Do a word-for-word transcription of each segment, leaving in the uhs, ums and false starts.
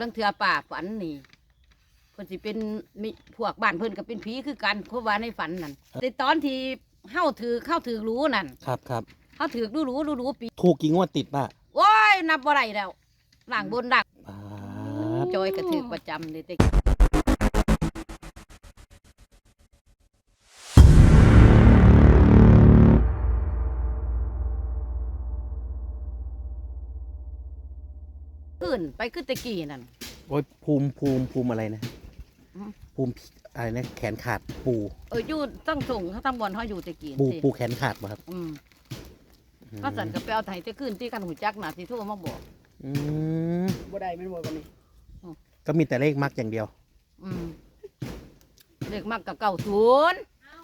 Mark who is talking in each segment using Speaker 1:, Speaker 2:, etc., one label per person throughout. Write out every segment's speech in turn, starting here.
Speaker 1: ตั้งเถื่อป่าฝันนี่เพิ่นสิเป็นมีพวกบ้านเพิ่นก็เป็นผีคือกันเพราะว่าในฝันนั่นในตอนที่เฮาถือเข้าถือรู้นั่น
Speaker 2: ครับครับ
Speaker 1: เฮาถือรู้รู้รู้รู้ปี
Speaker 2: ถูกกี่งวดติดป่ะ
Speaker 1: โอ้ยนับบ่ได้แล้วหลังบนดัก
Speaker 2: อ่า
Speaker 1: จอยก็ถือประจำเลยแต่ขึ้นไปขึ้นตะกี้นั่น
Speaker 2: โอ้ยภูมิภูมิภูมิอะไรนะ
Speaker 1: อืม
Speaker 2: ภูมิอะไรนะแขนขาดปู
Speaker 1: เอออยู่ตั้งส่งเขาตั้งบอลเขาอยู่ตะกี้
Speaker 2: ปู
Speaker 1: สิ
Speaker 2: ปูแขนขาดป่ะครับ
Speaker 1: อืม
Speaker 2: อืม
Speaker 1: ก็สั่นกับไปเอาไถจะขึ้นที่กันหูจักน่ะสิโทรมาบอก
Speaker 2: อืม
Speaker 3: บ่ได้แม่นบ่กันนี่
Speaker 2: ก็มีแต่เลขมักอย่างเดียว
Speaker 1: อืมเด็กมากกับเก่าศูนย์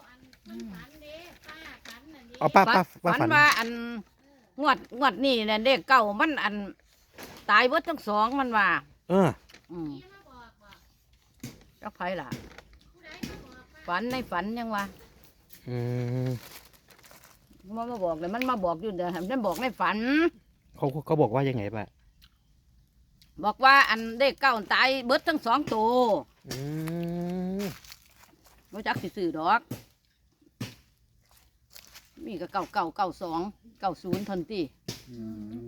Speaker 2: เอาป้าป้าป้า
Speaker 1: ฝัน
Speaker 2: ฝัน
Speaker 1: ว่าอันงวดงวดนี่เนี่ยเด็กเก่ามันอันตายเบิดทั้งสองมันว่า
Speaker 2: เออ
Speaker 1: อืมเจ้าไผล่ะ ฝันในฝันยังวะ
Speaker 2: อืม
Speaker 1: มันมาบอกเลยมันมาบอกอยู่เดี๋ยวมันบอกในฝัน
Speaker 2: เขาเขาบอกว่ายังไงป่ะ
Speaker 1: บอกว่าอันเด็กเก่าตายเบิดทั้งสองตัว
Speaker 2: อืม
Speaker 1: รู้จักสิซื้อดอกมีก็เก่าเก่าเก่าสองเก่าศูนย์ทันทีอืม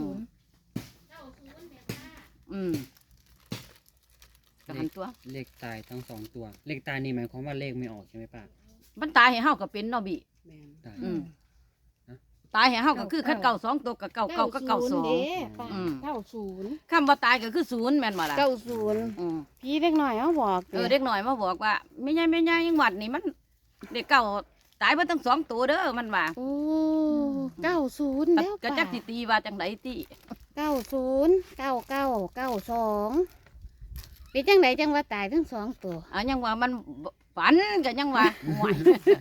Speaker 1: อืมกระหันตัว
Speaker 3: เลขตายทั้งสองตัว เลขตายนี่หมายความว่าเลขไม่ออกใช่ไหมป้า
Speaker 1: มันตายให้เฮาก็เป็นเนาะบิ
Speaker 3: ตาย
Speaker 1: อืมตายให้เฮาก็คือคันเก่าสองตัวกับเก่าเก่าก็เก่าสอง
Speaker 4: เด้ป้า
Speaker 1: อืม
Speaker 4: เก้าศูนย์
Speaker 1: คำว่าตายก็คือศูนย์แม่นบ่ล่ะ
Speaker 4: เก้าศูนย์
Speaker 1: อืม
Speaker 4: พี่เล็กหน่อยเขาบอก
Speaker 1: เออเด็กหน่อยมาบอกว่าไม่ใช่ไม่ใช่ยังหวัดนี่มัน เด็กเก่าตายเบิดทั้งสองตัวเด้อมันว่า
Speaker 4: โอ้เก้าศูนย์แล้ว
Speaker 1: ก็
Speaker 4: ป้า
Speaker 1: จักสิตีว่าจังไดติ
Speaker 4: เก้าศูนย์เก้าเก้าเก้าสองเป็นจังไหนจังว่าตายทั้งสองตัว
Speaker 1: อ่ะยังว่ามันฝันก็ยังว่าห่วย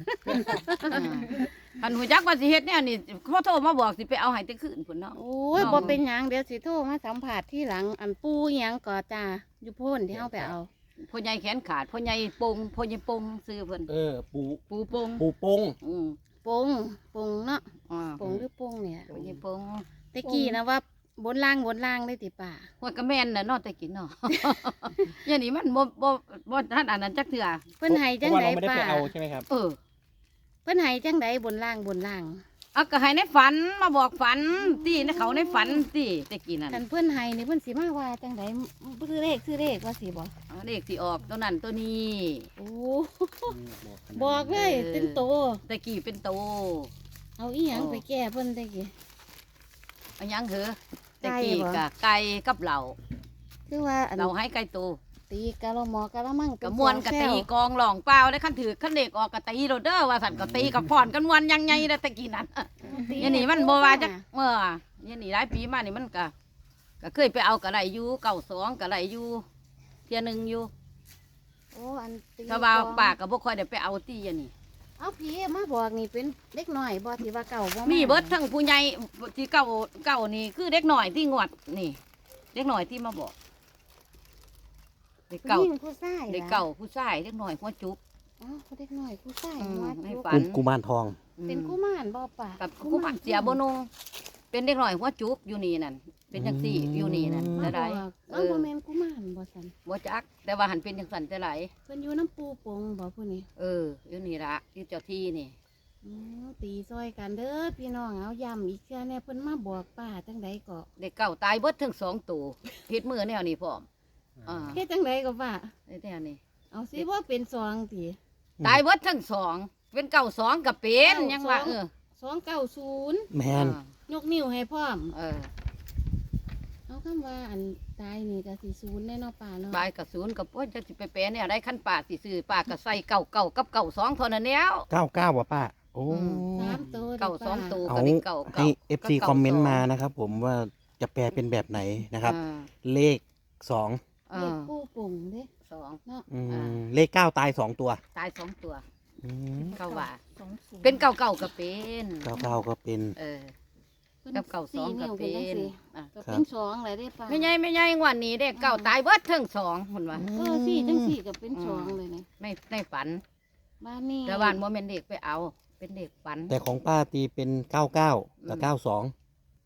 Speaker 1: คันหูจักว่าสิเฮ็ดเนี่ยนี่เขาโทรมาบอกสิไปเอาให้แต่คืนพุ่นเนาะ
Speaker 4: โอ้ย
Speaker 1: น้อง
Speaker 4: บ่เป็นหยังเดี๋ยวสิโทรมาสัมผัสที่หลังอันปูหยังก่อจ้าอยู่โพ่นที่เขาไปเอา
Speaker 1: พ่อใหญ่แขนขาดพ่อใหญ่ปงพ่อใหญ่ปงซื้อเพิ่น
Speaker 2: เออ ปู
Speaker 1: ปูปง
Speaker 2: ปูปง
Speaker 1: อืม
Speaker 4: ปงปงเนาะ
Speaker 1: อ่า
Speaker 4: ปงหรือปงเนี่ย
Speaker 1: พ่อใหญ่ปง
Speaker 4: ตะกี้นะว่าบนล่างบนล่างได้ติป่า
Speaker 1: หัวกระแม่นน่ะเนาะแต่กินเนาะ อย่างนี้มันบ่บ่บ่ทันอันนั้นจักเทื่อ
Speaker 4: เพิ่นให้จัง
Speaker 2: เพราะ
Speaker 4: ได
Speaker 2: ว่าเราไม่ได้
Speaker 4: ป่า
Speaker 2: ไปเอาใช่ไหมครับ
Speaker 1: เออ
Speaker 4: เพิ่นให้จังไดบนล่างบนล่าง
Speaker 1: เอาก็ให้ในฝันมาบอกฝันตีในเขาในฝันตีแต่กี้นั่น
Speaker 4: คันเพิ่นให้นี่เพิ่นสิมาว่าจังไดซื้อเลขซื้อเลขว่าสิบ่
Speaker 1: เอาเลขสิออกตัวนั้นตัวนี้
Speaker 4: โอ้
Speaker 3: บอกขนาดนั้น
Speaker 4: บอกเลยเป็นโต
Speaker 1: แต่กี้เป็นโต
Speaker 4: เอาอีหยังไปแก้เพิ่นตะกี้
Speaker 1: เอาหยังเหอะแต่
Speaker 4: ไก่
Speaker 1: กี้
Speaker 4: บ่
Speaker 1: กะไก่กับเหล่า
Speaker 4: คือว่าอัน
Speaker 1: เราให้ไก่โต
Speaker 4: ตีกะละหมอกะละมัง
Speaker 1: กะมวนกะตีกองหลองเปล่าได้ขั้นถือขั้นเด็กออกกะตีโรเด้อว่าสันกะตีกับพอนกันมวนยังไงนะแต่กี้นั้นยันนี่มันโบว่าจักเมื่อยันนี่หลายปีมานี่มันกะก็เคยไปเอากะไรอยู่เก่าสองกะไรอยู่เทียหนึ่งอยู่
Speaker 4: โอ้อันตี
Speaker 1: ถ้าว่า
Speaker 4: กอง
Speaker 1: ปากกับบ่ค่อยได้ไปเอาตียันนี่
Speaker 4: เอาพี่มาบอกนี่เป็นเล็กน้อยบ่ที่ว่าเก่าบ่า
Speaker 1: มีเบิดทั้งผู้ใหญ่ที่เก่าเก่านี่คือเด็กหน่อยที่งวดนี่เด็กหน่อยที่มาบอกเด็กเก่า
Speaker 4: ผู้หญิงผู้ชาย
Speaker 1: เด็กเก่าผู้ชายเด็กหน่อยหัวจุก
Speaker 4: อ๋อเด็กน้อยผู้ชาย
Speaker 1: อืม
Speaker 4: ว่า
Speaker 1: ให้
Speaker 4: จุก
Speaker 1: ฝั
Speaker 2: กุกุมารทอง
Speaker 4: เป็นกุมารบ่ป่า
Speaker 1: กับกุมารเสียบนุงเป็นเด็กหน่อยหัวจุกอยู่นี่นั่นเป็นจังซี่อยู่นี่นั่น
Speaker 4: มา
Speaker 1: จะ
Speaker 4: บ
Speaker 1: ได้
Speaker 4: อกเอ้าบ่แม่นกุมารบ่ซั่น
Speaker 1: บ่จักแต่ว่าหันเป็นจังสันจะไหล
Speaker 4: เพิ่นอยู่น้ำปูปงบ่ผู้นี้
Speaker 1: เอออยู่นี่ละอยู่เจ้าที่นี่
Speaker 4: อ๋อตีซอยกันเด้อพี่น้องเอาย้ำอีกเทื่อแน่เพิ่นมาบอกป้าจังไดก็
Speaker 1: เด็กเก่าตายเบิดทั้งสองตัวเฮ็ดมือแนวนี้พร้อมอ่า
Speaker 4: เฮ็ดจังไดก็ป้า
Speaker 1: แนวนี้
Speaker 4: เอาสิบ่เป็นสองติ
Speaker 1: ตายเบิดทั้งสองเป็นเก่าสองกับเป็น
Speaker 4: เก้า
Speaker 1: ยังว่า
Speaker 4: สอง
Speaker 1: เออ
Speaker 4: สองเก้าศูนย์
Speaker 2: แมน
Speaker 1: อ่าย
Speaker 4: กนิ้วให้พร้อม
Speaker 1: เออ
Speaker 4: เอาคำว่าอันตายนี่ก็สิศูนย์แน่เนาะป้าเนาะ
Speaker 1: บายกับศูนย์กับโอ้ยจะสิไปแปลเนี่ยได้ขั้นป่าสิซื้อป่าก็ใส่เก่าเก่ากับเก่าสองเท่านั้นแล้ว
Speaker 2: เก้าเก้าว่ะป้า โอ้
Speaker 1: อืม
Speaker 4: สามตัว
Speaker 1: เก่าสอง
Speaker 4: ป้
Speaker 1: ตัว
Speaker 2: เอา
Speaker 1: ก็ได้เก่า
Speaker 2: ให้
Speaker 1: เก่า
Speaker 2: เอฟซีคอมเมนต์มานะครับผมว่าจะแปลเป็นแบบไหนนะครับ
Speaker 1: อ่า
Speaker 2: เลขสอง
Speaker 1: เอ
Speaker 4: เลข
Speaker 1: อ
Speaker 4: ปูปุ่งเด้
Speaker 1: สอง
Speaker 4: เนาะ
Speaker 2: อืม
Speaker 1: อ่า
Speaker 2: เลขเก้าตายสองตัว
Speaker 1: ตายสองตัว
Speaker 2: อืม
Speaker 1: เก่าว่า
Speaker 4: สองศูนย์
Speaker 1: เป็นเก่าเก่าก็เป็น
Speaker 2: เก้าเก้าก็เป็น
Speaker 1: เออ
Speaker 4: พิ่น
Speaker 1: กับเก่าสองก็
Speaker 4: นิ้ว
Speaker 1: เป็
Speaker 4: จัง
Speaker 1: น
Speaker 4: ซี่
Speaker 1: อ่ะ
Speaker 4: ก็
Speaker 2: ครั
Speaker 4: เป็
Speaker 2: บ
Speaker 4: นสองเลยได้ป้า
Speaker 1: ไม่ใหญ่ไม่ใหญ่งวันนี้เด็กเก่าตายเบิดทั้งสองคนว่า
Speaker 4: เออสี่จังสี่ก็เป็นสองเลยนี่
Speaker 1: ในในฝัน
Speaker 4: บ้านนี้
Speaker 1: แต่บ้านโมเมนเด็กไปเอา เป็นเด็กฝัน
Speaker 2: แต่ของป้าตีเป็นเก้าเก้ากับเก้าสอง
Speaker 4: อ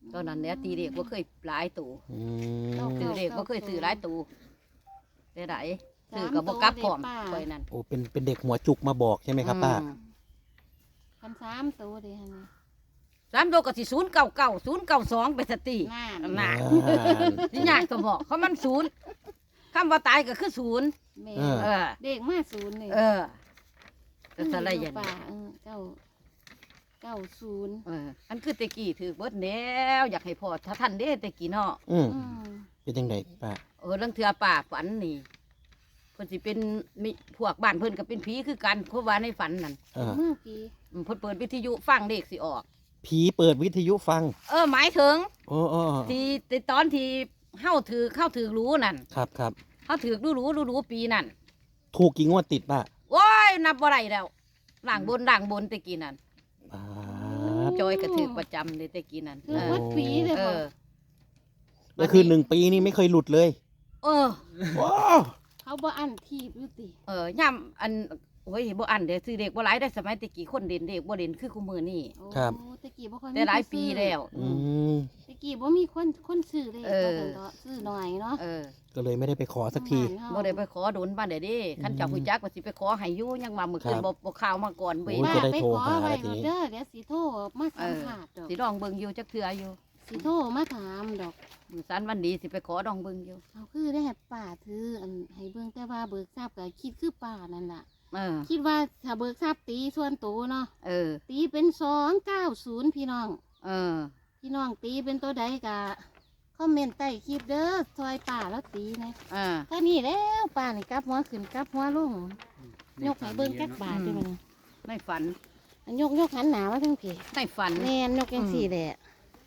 Speaker 1: ตอนนั้นเนี่ยตีเด็กบ่เคยหลายตัว
Speaker 2: อืม
Speaker 1: ซื้อเด็กบ่เคยซื้อหลายตัวได้ไดซื้อก็บ่กลับพร้อมข่อยนั่น
Speaker 2: โอ้เป็นเป็นเด็กหัวจุกมาบอกใช่ไหมครับป้า
Speaker 1: อืม
Speaker 4: คันสามตัวเดียวนี่
Speaker 1: สามตัวก็สิศูนย์เก้าเก้าศูนย์เก้าสองไปสติ
Speaker 4: น่า
Speaker 1: น่ะ
Speaker 2: อ่า
Speaker 1: สิยากก็บอกเขามันศูนย์คำว่าตายก็คือศูนย์
Speaker 4: แม่
Speaker 2: เออ
Speaker 1: เออ
Speaker 4: เด็กมาศูนย์นี่
Speaker 1: เออก็สะไรอย่าง
Speaker 4: ป่า
Speaker 1: นี้
Speaker 4: เออเก้าเก้าศูนย์
Speaker 1: เอออันคือแตะกี้ถือเบิดแล้วอยากให้พ่อถ้าท่านเด้แตะกี้เนาะ
Speaker 2: อืม
Speaker 4: อืม
Speaker 2: เป็นยังไงป้า
Speaker 1: เออเรื่องเทือป่าฝันนี่เพิ่นสิเป็นมีพวกบ้านเพิ่นก็เป็นผีคือกันเพราะว่าในฝันนั่น
Speaker 2: เออ
Speaker 4: เมื่อกี้
Speaker 1: อืมเพิ่นเปิดวิทยุฟังเด็กสิออก
Speaker 2: ผีเปิดวิทยุฟัง
Speaker 1: เออหมายถึง
Speaker 2: โอ้โอ้
Speaker 1: ที่ที่ตอนที่เฮาถือเข้าถือรู้นั่น
Speaker 2: ครับครับ
Speaker 1: เฮาถือรู้รู้รู้รู้ปีนั่น
Speaker 2: ถูกกี่งวดติดป้า
Speaker 1: โอ้ยนับบ่ได้แล้วล่างบนล่างบนแตะกี้นั่น
Speaker 2: ป้า
Speaker 1: จอยก็ถือประจำเลยแตะกี้นั่น
Speaker 4: คือวัดผีเลย
Speaker 1: เอ
Speaker 4: บ่
Speaker 1: อ
Speaker 2: ก็คือหนึ่งปีนี่ไม่เคยหลุดเลย
Speaker 1: เออ
Speaker 2: ว้าว
Speaker 4: เขาบ่อันทีบอยู่ติ
Speaker 1: เออย่ำอันโอ้ยบ่อันเด้อซื้อเด็กบ่หลายได้สมัยแตะกี้คนเด่นเด็กบ่เด่นคือคุมื้อนี้
Speaker 4: โอ้ตะกี้บ่ค่อยมี
Speaker 1: แต่หลายปีแล้ว
Speaker 2: อืม
Speaker 4: ตะกี้บ่มีคนคนซื้อเลย
Speaker 1: เออ
Speaker 4: ว่าซั่นเถาะซื้อหน่อยเนาะ
Speaker 1: เออ
Speaker 2: ก็เลยไม่ได้ไปขอสักที
Speaker 4: บ้านเฮา
Speaker 1: บ่ได้ไปขอโดนบ้านเด้เด้คันเจ้าผู้จักว่าสิไปขอให้อยู่ยังมามื้อคืน
Speaker 2: ครับ
Speaker 1: บ่บ่ข่าวมาก่อนเว้ย
Speaker 2: โอ้ย
Speaker 4: ป้า
Speaker 2: จะได้
Speaker 4: ไป
Speaker 2: โทร
Speaker 4: ขอ
Speaker 2: หา
Speaker 4: ไว้
Speaker 2: ทีนี้
Speaker 4: เด้อเดี๋ยวสิโทรมาสัมภาษณ์ดอก
Speaker 1: สิลองเบิ่งอยู่จักเทื่ออยู่
Speaker 4: สิโทรมาถามดอก
Speaker 1: มื้อสันวันดีสิไปขอดองเบิ่งอยู่
Speaker 4: เขาคือได้ให้ป้าถืออันให้เบิ่งแต่ว่าเบิกทราบก็คิดคือป้านั่นล่ะ
Speaker 1: เออ
Speaker 4: คิดว่าถ้าเบิกทราบตีส่วนตัวเนาะ
Speaker 1: เออ
Speaker 4: ตีเป็นสองเก้าศูนย์พี่น้อง
Speaker 1: เออ
Speaker 4: พี่น้องตีเป็นตัวใดกะคอมเมนต์ใต้คลิปเด้อซอยป่าแล้วตีนะ
Speaker 1: อ่า
Speaker 4: ถ้านี่แล้วป่านี่กลับหัวขึ้นกลับหัวลงยกให้เบิ่งกักบาทได้มั้ย
Speaker 1: ในฝัน
Speaker 4: อันยกยกหันหนามาทั้งเพ
Speaker 1: ในฝัน
Speaker 4: แม่นยกจังสี่แหละ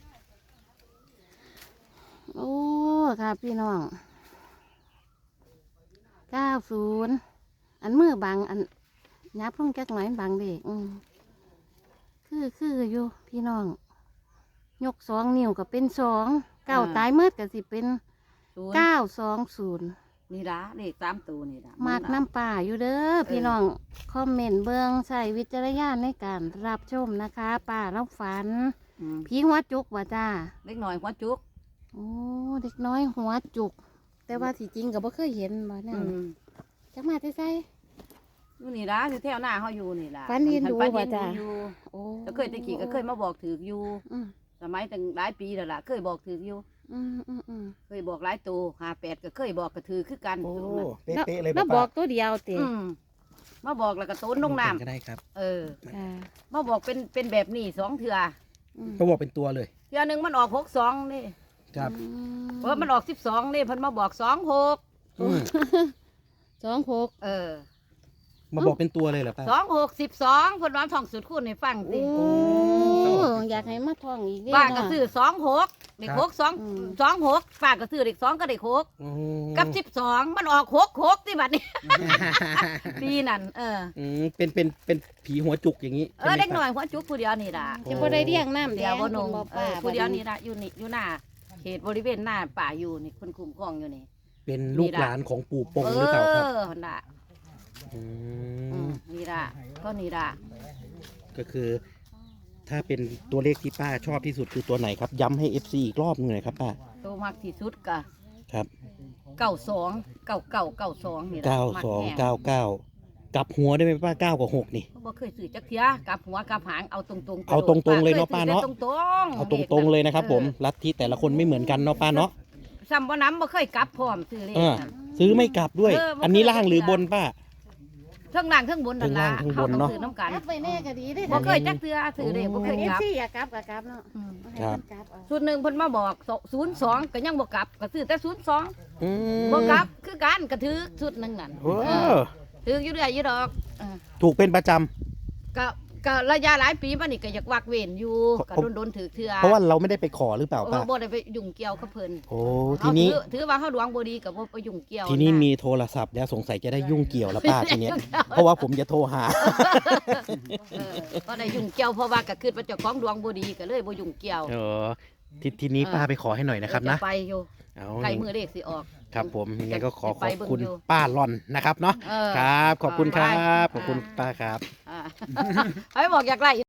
Speaker 4: โอ้ค่ะพี่น้องเก้าศูนย์อันมือบังอันยับลงจักหน่อยมันบังเด็กอืมคือคืออยู่พี่น้อง ยกสองนิ้วก็เป็นสองเก้าตายเมื่อก็สิเป็น
Speaker 1: ศูนย์
Speaker 4: เก้าสองศูนย์
Speaker 1: นี่ล่ะเลขสามตัวนี่ล่ะ
Speaker 4: มากน้ำป่าอยู่เด้อพี่น้อง คอมเมนต์เบิ้งใส่วิจารณญาณในการรับชมนะคะป่าเราฝัน
Speaker 1: อืม
Speaker 4: ผีหัวจุกว่าจ้า
Speaker 1: เล็กน้อยหัวจุก
Speaker 4: โอ้เด็กน้อยหัวจุก แต่ว่าที่จริงก็บ่เคยเห็นบ่นั่
Speaker 1: อื
Speaker 4: น
Speaker 1: ม
Speaker 4: จักมาที่ไส
Speaker 1: อยู่นี่ล่ะอยู่แถวหน้าเฮาอยู่นี่ล่ะ
Speaker 4: ฝันเห็นดู
Speaker 1: ฝัน
Speaker 4: บ่
Speaker 1: เห็น
Speaker 4: จ๊ะ
Speaker 1: อยู่
Speaker 4: โอ้
Speaker 1: แล้วเคยแตะกี้ก็เคยมาบอกถืออยู่
Speaker 4: อืม
Speaker 1: สมัยตั้งหลายปีแล้วล่ะเคยบอกถืออยู่
Speaker 4: อืมอืมอืม
Speaker 1: เคยบอกหลายตัวห้าแปดก็เคยบอกก็ถือคือกัน
Speaker 2: โอ้
Speaker 1: ตัวนั้น
Speaker 2: เป๊ะๆเลย
Speaker 4: แล้ว
Speaker 2: ป้า
Speaker 4: บอกตัวเดียวติ
Speaker 1: อืมมาบอกแล้วก็ต้นลงน้
Speaker 2: ก็ได้ครับ
Speaker 1: ำเออ
Speaker 4: ค่ะ
Speaker 1: มาบอกเป็นเป็นแบบนี้สองเถื่อ
Speaker 4: อืม
Speaker 2: ก็บอกเป็นตัวเลย
Speaker 1: เถื่อหนึ่งมันออกหกสองนี่
Speaker 2: ครับ
Speaker 4: อื
Speaker 1: เพราะมันออกสิบสองนี่เพิ่นมาบอกสองหก
Speaker 2: อืม
Speaker 4: สองหก
Speaker 1: เออ
Speaker 2: มาบอกเป็นตัวเลยเหรอป้า
Speaker 1: สองหกสิบสองเพิ่นว่าท่องสุดคูณให้ฟังสิ
Speaker 4: โอ้อยากให้มาท่องอีกเด้
Speaker 1: ป้าก็
Speaker 4: เนาะ
Speaker 1: ซื้อสองหกเด็กหกสอง
Speaker 4: อืม
Speaker 1: สองหกป้าก็ซื้อเด็กสองก็เด็กหก
Speaker 2: อืม
Speaker 1: กับสิบสองมันออกหกหกที่บัดนี้ ปีนั่นเออ
Speaker 2: อืมเป็นเป็นเป็นผีหัวจุกอย่างนี้
Speaker 1: เออเด็กหน่อยหัวจุกผู้เดียวนี่ล่ะ
Speaker 4: จะบ่ได้เรียงน้ำแด
Speaker 1: เดียว
Speaker 4: ง
Speaker 1: บ่นง
Speaker 4: คุณบ่
Speaker 1: เอ
Speaker 4: ป้า
Speaker 1: อผู้เดียวนี่ล่ะอยู่นี่อยู่หน้าเขตบริเวณหน้าป่าอยู่นี่คนคุ้มครองอยู่นี่
Speaker 2: เป็นลูกหลานของปู่ปง
Speaker 1: เอ
Speaker 2: หรือเปล่าครับ
Speaker 1: อหั่นล่ะ
Speaker 2: อื
Speaker 1: อื
Speaker 2: ม
Speaker 1: มนี่ล่ะก็นี่ล่ะ
Speaker 2: ก็คือ ถ้าเป็นตัวเลขที่ป้าชอบที่สุดคือตัวไหนครับ ย้ำให้ เอฟ ซี อีกรอบหนึงหน่อยครับป้า
Speaker 1: ตัวมากที่สุดก็
Speaker 2: ครับ
Speaker 1: เก้าสองเก้าเก้าเก้าสองนี่ล่ะ
Speaker 2: เก้า
Speaker 1: มัก
Speaker 2: สอง
Speaker 1: แห้ง
Speaker 2: เก้าเก้า กลับหัวได้ไหมป้าเก้ากับหกนี่
Speaker 1: บ่เคยซื้อจักเที่ยกลับหัวกลับหางเอาตรงๆ
Speaker 2: เอาตรงๆเลยเนาะ
Speaker 1: ค
Speaker 2: ป้าเนาะ
Speaker 1: ซื้อแต่ตรงๆ
Speaker 2: เอาตรงๆเลยนะครับผม ลัทธิแต่ละคนไม่เหมือนกันเนาะป้าเนาะ
Speaker 1: ซ้ำบ่น้ำบ่เคยกลับพร้อมซื้อเลข
Speaker 2: เออ
Speaker 1: นั่น
Speaker 2: ซื้อไม่กลับด้วย
Speaker 1: เออบ่
Speaker 2: อันนี้
Speaker 1: เคย
Speaker 2: ล่างหรือบนป้า
Speaker 1: เทั้งล่างเทั้งบนนั่นล่ะ
Speaker 2: เทิงล่างเทิงบนเนาะ
Speaker 1: เฮาต้องซื้อน้ำกัน
Speaker 4: กลับไปแน่ก็ดีได้
Speaker 1: บ่เคยจักเทื่อซื้อเลขบ่เคย
Speaker 4: เอก ฟ
Speaker 1: ลับ
Speaker 4: ซีอยากกลับก็กลับเนาะ
Speaker 1: อืม
Speaker 4: ให้มันกลับเอา
Speaker 1: ชุดหนึ่งเพิ่นมาบอกศูนย์สองก็ยังบ่กลับก็ซื้อแต่ศูนย์สอง
Speaker 2: อืม
Speaker 1: บ่กลับคือกันก็ถือชุดหนึงนั่น
Speaker 2: โอ้
Speaker 1: เออถืออยู่เรื่อยอยู่ดอกเออ
Speaker 2: ถูกเป็นประจำ
Speaker 1: ก็ก็ระยะหลายปีมานี่ก็อยากวักเว้นอยู่
Speaker 2: เพ
Speaker 1: ก็
Speaker 2: ราะ
Speaker 1: โดนๆถือเทื่อ
Speaker 2: เพราะว่าเราไม่ได้ไปขอหรือเปล่า
Speaker 1: เอ
Speaker 2: ป้า
Speaker 1: อบ่ได้ไปยุ่งเกี่ยวกับเพิ่น
Speaker 2: โอ้ทีนี้
Speaker 1: เฮาถือถือว่าเฮาดวงบ่ดีก็บ่ไปยุ่งเกี่ยว
Speaker 2: ทีนี้
Speaker 1: ะ
Speaker 2: มีโทรศัพท์แล้วสงสัยจะได้ยุ่งเกี่ยวแล้วป้าทีเนี้ย เพราะว่าผมจะโทรหา
Speaker 1: เออบ่ได้ยุ่งเกี่ยวเพราะว่าก็คิดว่าเจ้าของดวงบ่ดีก็เลยบ่ยุ่งเกี่ยว
Speaker 2: เออทีทีนี้ป้าไปขอให้หน่อยนะครับนะ
Speaker 1: จไปอยู่
Speaker 2: เอา
Speaker 1: ใกล้มือเลขสิออก
Speaker 2: ครับผมยังไงก็ขอ
Speaker 1: จะ
Speaker 2: ข
Speaker 1: ไป
Speaker 2: อบ
Speaker 1: เบิ่ง
Speaker 2: คุณ
Speaker 1: อยู่
Speaker 2: ป้าหลอนนะครับเนาะ
Speaker 1: เออ
Speaker 2: ครับ ขอบคุณครั
Speaker 1: ไป
Speaker 2: บ ขอบคุณ
Speaker 1: อ่า
Speaker 2: ป้าครับ
Speaker 1: อ่า ให้บอกอยากไล่